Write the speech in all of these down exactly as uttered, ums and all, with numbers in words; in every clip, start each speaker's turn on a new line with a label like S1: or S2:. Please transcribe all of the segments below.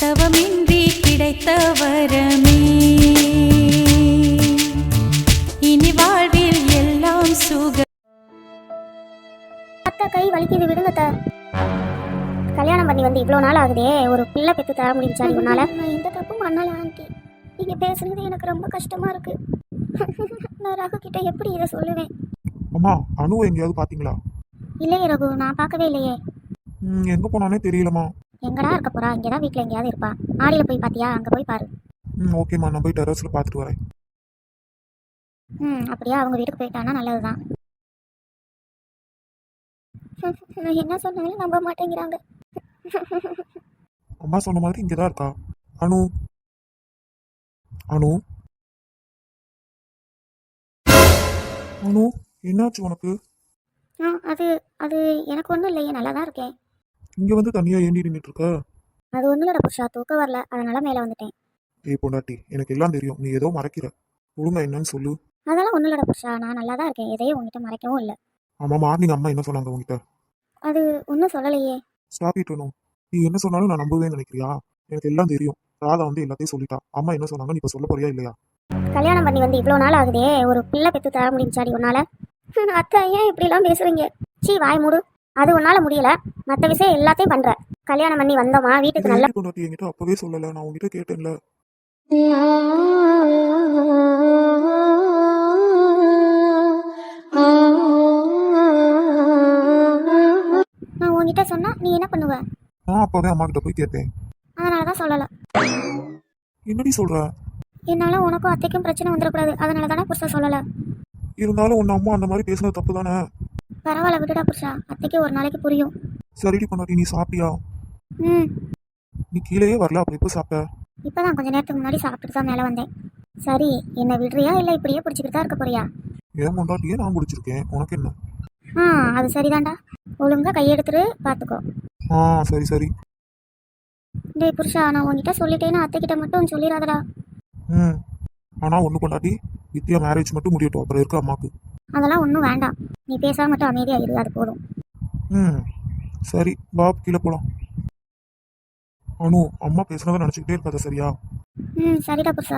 S1: தவமின்றி கிடைத்த வரமே இனி வாழ்வில் எல்லாம் சுக.
S2: அத்தை கை வலிக்குது, விடுங்க அத்தை. கல்யாணம் பண்ணி வந்து இவ்வளோ நாள் ஆகுதே, ஒரு பிள்ளை பெற்று தர முடிஞ்சா உன்னால? நான் எந்த தப்பும் பண்ணல ஆண்டி. நீங்கள் பேசுறது எனக்கு ரொம்ப கஷ்டமா இருக்கு. நான் ரகு கிட்ட எப்படி இதை சொல்லுவேன்?
S3: அம்மா, அனுவை எங்கேயாவது பாத்தீங்களா?
S2: இல்லையே ரகு, நான் பார்க்கவே இல்லையே.
S3: ம் எங்க போனானே தெரியலம்மா.
S2: எங்கடா இருக்க போறா? இங்கதான் வீட்டில் எங்கேயாவது இருப்பா. ஆடியில் போய் பாத்தியா? அங்கே போய் பாரு.
S3: ம் ஓகேம்மா, நான் போய் டெரஸ்ல பார்த்துட்டு வரேன்.
S2: ம் அப்படியா? அவங்க வீட்டுக்கு போயிட்டானா நல்லதுதான். நான் என்ன சொன்னாலும் நம்ப மாட்டேங்கிறாங்க.
S3: அம்மா சொன்ன மாதிரி இங்கதான் இருக்கா. அனு, அனு, அனு, என்னாச்சு உனக்கு?
S2: ஆ அது அது எனக்கு ஒன்றும் இல்லையே, நல்லா தான் இருக்கேன்.
S3: இங்க வந்து தனியா ஏண்டி நின்றுட்டு இருக்க?
S2: அது ஒன்றும் இல்லடா புருஷா, தூக்கம் வரல, அதனால மேலே வந்துட்டேன்.
S3: ஏய் பொண்டாட்டி, எனக்கு எல்லாம் தெரியும், நீ ஏதோ மறைக்கிற. ஒழுங்கா என்னன்னு சொல்லு.
S2: அதெல்லாம் ஒன்றும் இல்லடா புருஷா, நான் நல்லா தான் இருக்கேன், எதையும் உங்ககிட்ட மறைக்கவும் இல்லை.
S3: ஆமா, மார்னிங் அம்மா என்ன சொன்னாங்க உங்ககிட்ட?
S2: அது ஒன்றும் சொல்லலையே.
S3: Stop it Anu. நீ என்ன சொன்னாலும் நான் நம்புவேன்னு நினைக்கிறியா? எனக்கு எல்லாம் தெரியும். ராதா வந்து எல்லாத்தையும் சொல்லிட்டா. அம்மா என்ன சொன்னாங்க, நீ இப்ப சொல்ல போறியா இல்லையா?
S2: கல்யாணம் பண்ணி வந்து இவ்வளோ நாள் ஆகுதே, ஒரு பிள்ளை பெற்று தர முடிஞ்சாடி உன்னால? அத்தை ஏன் இப்படிலாம் பேசுறீங்க? சீ வாய் மூடு. அது உன்னால முடியல, மற்ற விஷயம் எல்லாத்தையும் பண்ற. கல்யாணம் பண்ணி வந்தோமா வீட்டுக்கு நல்ல
S3: பொண்டாட்டி என்கிட்ட அப்பவே சொல்லல, நான் உங்ககிட்ட கேட்டேன்ல.
S2: நான் உன்கிட்ட சொன்னா நீ என்ன பண்ணுவ?
S3: நான் அப்பவே அம்மா கிட்ட போய் கேட்டேன்.
S2: அதனாலதான் சொல்லல.
S3: என்னடி சொல்ற?
S2: என்னால உனக்கும் அத்தைக்கும் பிரச்சனை வந்துடக்கூடாது, அதனால தானே புருஷா சொல்லல.
S3: இருந்தாலும் உன் அம்மா அந்த மாதிரி பேசுனது தப்பு தானே?
S2: பரவாயில்ல விடுடா புருஷா, அத்தைக்கு ஒரு நாளைக்கு புரியும்.
S3: சரிடி பொண்டாட்டி, நீ சாப்பிட்டியா?
S2: ம்
S3: நீ கீழேயே வரல, அப்ப எப்போ சாப்பிட்ட?
S2: இப்பதான் கொஞ்ச நேரத்துக்கு முன்னாடி சாப்பிட்டுட்டு தான் மேலே வந்தேன். சரி, என்ன விடுறியா இல்லை இப்படியே பிடிச்சிக்கிட்டு தான் இருக்க போறியா?
S3: ஏன் பொண்டாட்டியே நான் பிடிச்சிருக்கேன், உனக்கு என்ன?
S2: ஆ அது சரிதான்டா, ஒழுங்கா கையெடுத்துட்டு பார்த்துக்கோ.
S3: ஆ சரி சரி.
S2: டேய் புருஷா, நான் உன்கிட்ட சொல்லிட்டேன்னு அத்தைக்கிட்ட மட்டும் சொல்லிடாதடா.
S3: ம் ஆனா ஒன்று பொண்டாட்டி, வித்யா மேரேஜ் மட்டும் முடியட்டும், அப்புறம் இருக்க அம்மாக்கு.
S2: அதெல்லாம் ஒன்றும் வேண்டாம், நீ பேசாம மட்டும் அமைதியா இரு, அது போதும்.
S3: ம் சரி, பாப் கீழே போலாம். அனு, அம்மா பேசுனதை நினச்சிக்கிட்டே இருக்காத, சரியா?
S2: ம் சரிடா புருஷா.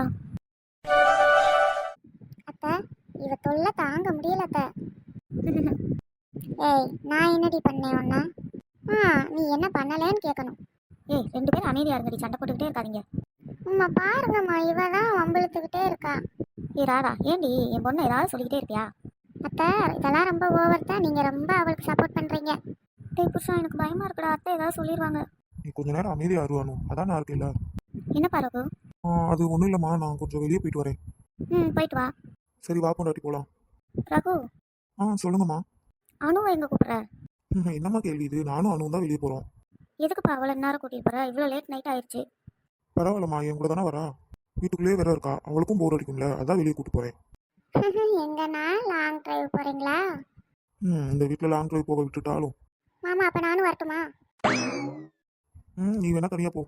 S2: அத்தை, இவ தொல்லை தாங்க முடியல அத்தை. ஏய், நான் என்னடி பண்ணேன் ஒன்னா? ஆ நீ என்ன பண்ணலேன்னு கேட்கணும். ஏய், ரெண்டு பேரும் அமைதியா இருங்கடி, சண்டை போட்டுக்கிட்டே இருக்காதீங்க. அம்மா பாருங்கம்மா, இவ தான் வம்பிழுத்துக்கிட்டே இருக்கா. ஏ ராதா, ஏண்டி என் பொண்ணு ஏதாவது சொல்லிக்கிட்டே இருப்பியா? அத்தை, இதெல்லாம் ரொம்ப ஓவர் தான், நீங்க ரொம்ப அவளுக்கு சப்போர்ட் பண்றீங்க. டேய் புருஷா, எனக்கு பயமா இருக்குடா, அத்தை ஏதாவது சொல்லிடுவாங்க.
S3: நீ கொஞ்ச நேரம் அமைதியா இரு அனு, அதான் நான் இருக்கேன்ல.
S2: என்ன பாருகு?
S3: ஆ அது ஒன்றும் இல்லைம்மா, நான் கொஞ்சம் வெளியே போயிட்டு வரேன்.
S2: ம் போயிட்டு வா.
S3: சரி வா பொண்டாட்டி, போகலாம்.
S2: ரகு,
S3: ஆ சொல்லுங்கம்மா.
S2: அனுவை எங்க கூப்பிடுற?
S3: ம், என்னம்மா கேள்வி இது? நானும் அனுவும் தான் வெளியே போகிறோம்.
S2: எதுக்குப்பா அவ்வளோ நேரம் கூட்டிட்டு போற? இவ்வளோ லேட் நைட் ஆயிடுச்சு.
S3: பரவாயில்லம்மா, என் கூட தானே வரா. வீட்டுக்குள்ளேயே வேற இருக்கா, அவளுக்கும் போர் அடிக்கும்ல, அதான் வெளியே கூட்டு போகிறேன்.
S2: எங்கன்னா லாங் டிரைவ் போறீங்களா?
S3: ம் இந்த வீட்டில் லாங் டிரைவ் போக விட்டுட்டாலும்.
S2: மாமா, அப்ப நானும் வரட்டுமா?
S3: ம் நீ வேணா தனியாக போ.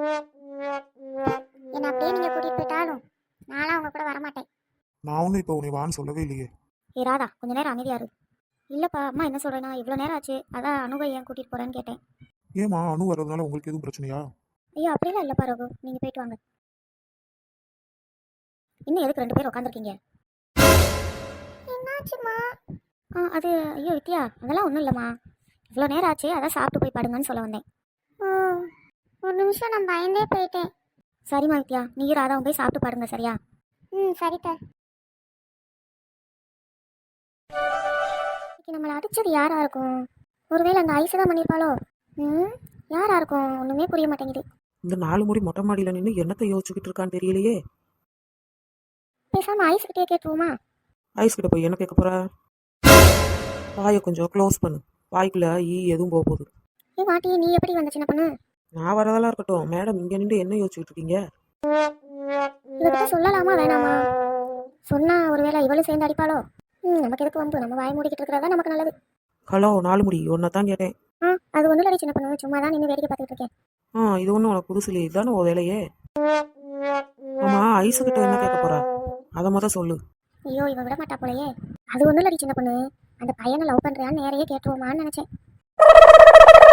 S2: என்ன அப்படியே நீங்க கூட்டிட்டு போயிட்டாலும் நானும் அவங்க கூட வரமாட்டேன்.
S3: நான் ஒன்றும் இப்போ உன்னை வான்னு சொல்லவே இல்லையே.
S2: ஏ ராதா, கொஞ்ச நேரம் அமைதியா இரு. இல்லப்பா, அம்மா என்ன சொல்றேன்னா, இவ்வளோ நேரம் ஆச்சு, அதான் அனுவை ஏன் கூட்டிட்டு போறேன்னு கேட்டேன்.
S3: ஏம்மா, அனு வர்றதுனால உங்களுக்கு எதுவும் பிரச்சனையா?
S2: ஐயோ அப்படிலாம் இல்லப்பா ரகு, நீங்க போயிட்டு வாங்க. இன்னும் எதுக்கு ரெண்டு பேரும் உட்காந்துருக்கீங்க? என்னாச்சுமா? ஆ அது ஐயோ வித்யா, அதெல்லாம் ஒன்றும் இல்லைம்மா, இவ்வளோ நேரம் ஆச்சு, அதான் சாப்பிட்டு போய் படுங்கன்னு சொல்ல வந்தேன். ஓ ஒரு நிமிஷம் நான் பயந்தே போயிட்டேன். சரிம்மா வித்யா, நீ ராதாவும் போய் சாப்பிட்டு பாருங்க, சரியா? ம் சரிப்பா. இன்னைக்கு நம்மளை அடிச்சது யாரா இருக்கும்? ஒருவேளை அந்த ஐஸ் தான் பண்ணியிருப்பாளோ? ம் யாரா இருக்கும்? ஒன்றுமே புரிய மாட்டேங்குது.
S4: இந்த நாலு முடி மொட்டை மாடியில் நின்று என்னத்தை யோசிச்சுக்கிட்டு இருக்கான்னு தெரியலையே.
S2: பேசாம ஐஸ் கிட்டே கேட்டுருவோமா?
S4: ஐஸ் கிட்ட போய் என்ன கேட்க போற? வாயை கொஞ்சம் க்ளோஸ் பண்ணு, வாய்க்குள்ள ஈ எதுவும் போக போகுது.
S2: ஏ வாட்டி, நீ எப்படி வந்த சின்ன பொண்ணு?
S4: நான் வரதெல்லாம் இருக்கட்டும், மேடம் இங்கே நின்று என்ன யோசிச்சுக்கிட்டு இருக்கீங்க?
S2: இவகிட்ட சொல்லலாமா வேணாமா? சொன்னா ஒருவேளை இவளும் சேர்ந்து அடிப்பாளோ? ம் நமக்கு எதுக்கு வம்பு, நம்ம வாய் மூடிக்கிட்டு இருக்கிறதா நமக்கு நல்லது.
S4: ஹலோ, நாலு முடி ஒன்றை தான் கேட்டேன்.
S2: ஆ அது ஒன்றும் இல்லை சின்ன பொண்ணு, சும்மா தான் நின்று வேடிக்கை பார்த்துட்டு இருக்கேன்.
S4: ஆ இது ஒன்றும் உனக்கு புதுசு இல்லையே, இதுதானே உன் வேலையே. ஆமா, ஐஸுக்கிட்ட என்ன கேட்க போறா? அதை மொதல் சொல்லு.
S2: ஐயோ இவ விட மாட்டா போலயே. அது ஒன்றும் இல்லை சின்ன பொண்ணு, அந்த பையனை லவ் பண்ணுறியான்னு நேரையே கேட்டுருவோமான்னு நினச்சேன்.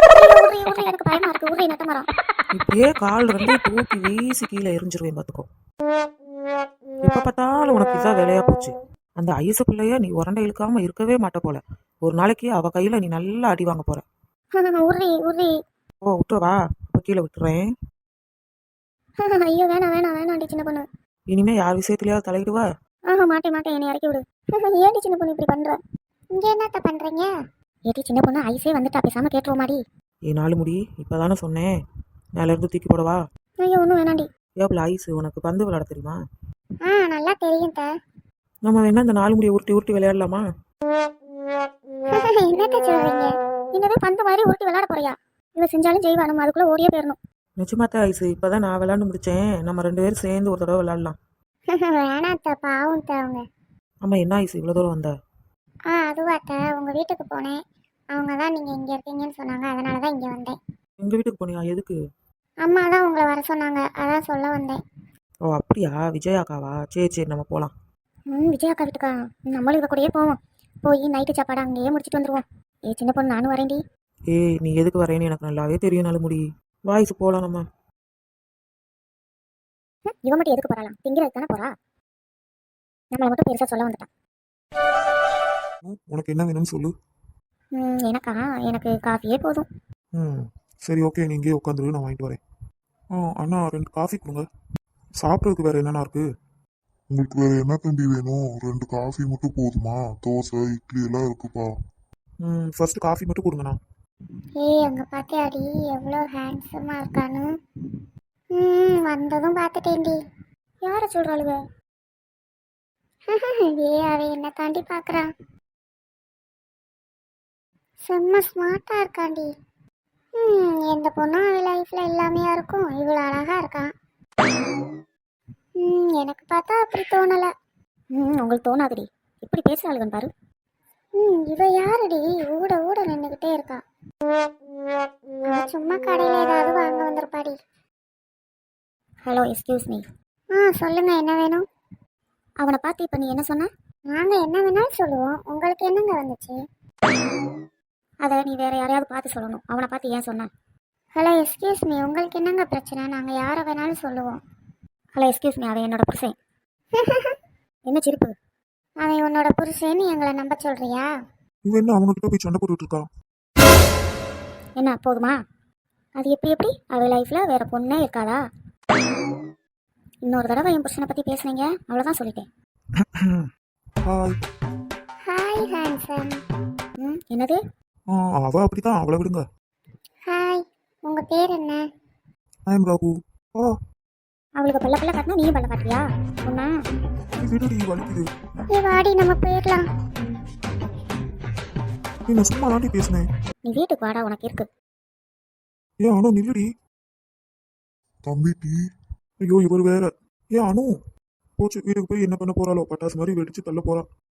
S2: உரி உரி எனக்கு பயமா இருக்கு உரி நட்ட மரம்.
S4: இப்படியே கால் ரெண்டையும் தூக்கி வீசி கீழே எரிஞ்சிருவேன் பார்த்துக்கோ. எப்ப பார்த்தாலும் உனக்கு இதான் வேலையா போச்சு. அந்த ஐசு பிள்ளைய நீ உரண்டை இழுக்காம இருக்கவே மாட்ட போல. ஒரு நாளைக்கு அவ கையில நீ நல்லா அடி வாங்க போற.
S2: உரி உரி.
S4: ஓ விட்டுறவா, அப்ப கீழே விட்டுறேன்.
S2: ஐயோ வேணாம் வேணாம் வேணாண்டி சின்ன பொண்ணு.
S4: இனிமே யார் விஷயத்திலயாவது தலையிடுவா?
S2: ஆஹா மாட்டேன் மாட்டேன், என்னை இறக்கி விடு. ஏடி சின்ன பொண்ணு இப்படி பண்ற? இங்க என்னத்த பண்றீங்க? ஏடி சின்ன பொண்ணு ஐஸே வந்துட்டா, பேசாம கேட்டுருவோமாடி?
S4: ஏ நாலு முடி, இப்பதானே சொன்னேன் மேல இருந்து தூக்கி போடவா?
S2: ஐயோ ஒன்றும் வேணாண்டி.
S4: ஏப்ல ஐஸ், உனக்கு பந்து விளையாட தெரியுமா?
S2: ஆ நல்லா தெரியும் த.
S4: நம்ம வேணா இந்த நாலு முடியை உருட்டி உருட்டி விளையாடலாமா?
S2: என்னத்த சொல்றீங்க? என்னவே பந்து மாதிரி உருட்டி விளையாட போறியா? இவ செஞ்சாலும் செய்வா, நம்ம அதுக்குள்ள ஓடியே போயிடணும்.
S4: நிச்சயமாத்த ஐஸ், இப்பதான் நான் விளையாண்டு முடிச்சேன். நம்ம ரெண்டு பேரும் சேர்ந்து ஒரு தடவை விளையாடலாம்.
S2: வேணாத்த, பாவம் த அவங்க.
S4: ஆமா என்ன ஐஸ் இவ்வளவு தூரம் வந்த?
S2: ஆ அதுவாத்த, உங்க வீட்டுக்கு போனேன். அவங்க தான் நீங்க இங்க இருக்கீங்கன்னு சொன்னாங்க, அதனால தான் இங்க வந்தேன்.
S4: எங்க வீட்டுக்கு போனியா? எதுக்கு?
S2: அம்மா தான் உங்களை வர சொன்னாங்க, அதான் சொல்ல வந்தேன்.
S4: ஓ அப்படியா, விஜயாக்காவா? சரி சரி நம்ம போலாம்.
S2: ம் விஜயாக்கா வீட்டுக்கா? நம்மளும் இவ கூடயே போவோம். போய் நைட்டு சாப்பாடு அங்கேயே முடிச்சிட்டு வந்துருவோம். ஏ சின்ன பொண்ணு நானும் வரேன்டி.
S4: ஏய் நீ எதுக்கு வரேன்னு எனக்கு நல்லாவே தெரியும் நாலு முடி. வாய்ஸ் போலாம் நம்ம.
S2: ம், இவ மட்டும் எதுக்கு போறாளாம்? திங்கிறதுக்கு தானே போறா. நம்மளை மட்டும் பெருசா சொல்ல வந்துட்டான்.
S3: ம், உனக்கு என்ன வேணும்னு சொல்லு.
S2: ம் எனக்கா? எனக்கு காஃபியே போதும்.
S3: ம் சரி ஓகே, நீ இங்கேயே உட்காந்துரு, நான் வாங்கிட்டு வரேன். ஆ அண்ணா ரெண்டு காஃபி கொடுங்க. சாப்பிட்றதுக்கு வேற என்னென்ன இருக்கு?
S5: உங்களுக்கு வேற என்ன தம்பி வேணும்? ரெண்டு காஃபி மட்டும் போதுமா? தோசை இட்லி எல்லாம் இருக்குப்பா.
S3: ம் ஃபர்ஸ்ட் காஃபி மட்டும் கொடுங்கண்ணா.
S2: ஏய் அங்க பாத்தியாடி எவ்வளோ ஹேண்ட்ஸமா இருக்கான்னு? ம் வந்ததும் பார்த்துட்டேன்டி. யார சொல்றாளுங்க? ஏ அவ என்ன தாண்டி பாக்குறான். செம்ம ஸ்மார்ட்டா இருக்காண்டி. ம் எந்த பொண்ணும் அவ லைஃப்ல எல்லாமே இருக்கும், இவ்வளோ அழகா இருக்கான். ம் எனக்கு பார்த்தா அப்படி தோணல. ம் உங்களுக்கு தோணாதுடி, இப்படி பேசுறாளுகன்னு பாரு. ம் இவ யாருடி ஊட ஊட நின்றுகிட்டே இருக்கா? அவ சும்மா கடையில ஏதாவது வாங்க வந்திருப்பாடி. Hello excuse me. ஆ சொல்லுங்க, என்ன வேணும்? அவனை பார்த்து இப்போ நீ என்ன சொன்ன? நாங்க என்ன வேணாலும் சொல்லுவோம், உங்களுக்கு என்னங்க வந்துச்சு? அதை நீ வேற யாரையாவது பார்த்து சொல்லணும், அவனை பார்த்து ஏன் சொன்ன? ஹலோ எக்ஸ்கியூஸ் மீ, உங்களுக்கு என்னங்க பிரச்சனை? நாங்கள் யாரை வேணாலும் சொல்லுவோம். ஹலோ எக்ஸ்கியூஸ் மீ, அவன் என்னோட புருஷன். என்ன சிரிப்பு? அவன் உன்னோட புருஷன்னு எங்களை நம்ப சொல்றியா?
S3: இவன் என்ன அவங்க கிட்ட போய் சண்டை போட்டுட்டு இருக்கா?
S2: என்ன போதுமா? அது எப்படி எப்படி அவ லைஃப்ல வேற பொண்ணே இருக்காளா? இன்னொரு தடவை என் புருஷனை பத்தி பேசுனீங்க அவ்வளவுதான் சொல்லிட்டேன்.
S3: ஹாய்.
S2: Hi handsome. ம் என்னது?
S3: ஆ அவ அப்படிதான், அவளை விடுங்க.
S2: ஹாய், உங்க பேர் என்ன?
S3: I am Rahu. ஆ
S2: அவளுக்கு பல்ல பல்ல காட்டினா நீயும் பல்ல காட்டுறியா? ஒன்னா
S3: விடுடி, வலிக்குது.
S2: ஏ வாடி நம்ம போயிடலாம்.
S3: நீ நான் சும்மா தாண்டி பேசினேன்.
S2: நீ வீட்டுக்கு வாடா, உனக்கு இருக்கு.
S3: ஏன் அனு நில்லுடி.
S5: தம்பி டீ.
S3: ஐயோ இவர் வேற. ஏன் அனு போச்சு, வீட்டுக்கு போய் என்ன பண்ண போறாளோ, பட்டாசு மாதிரி வெடிச்சு தள்ள போறா.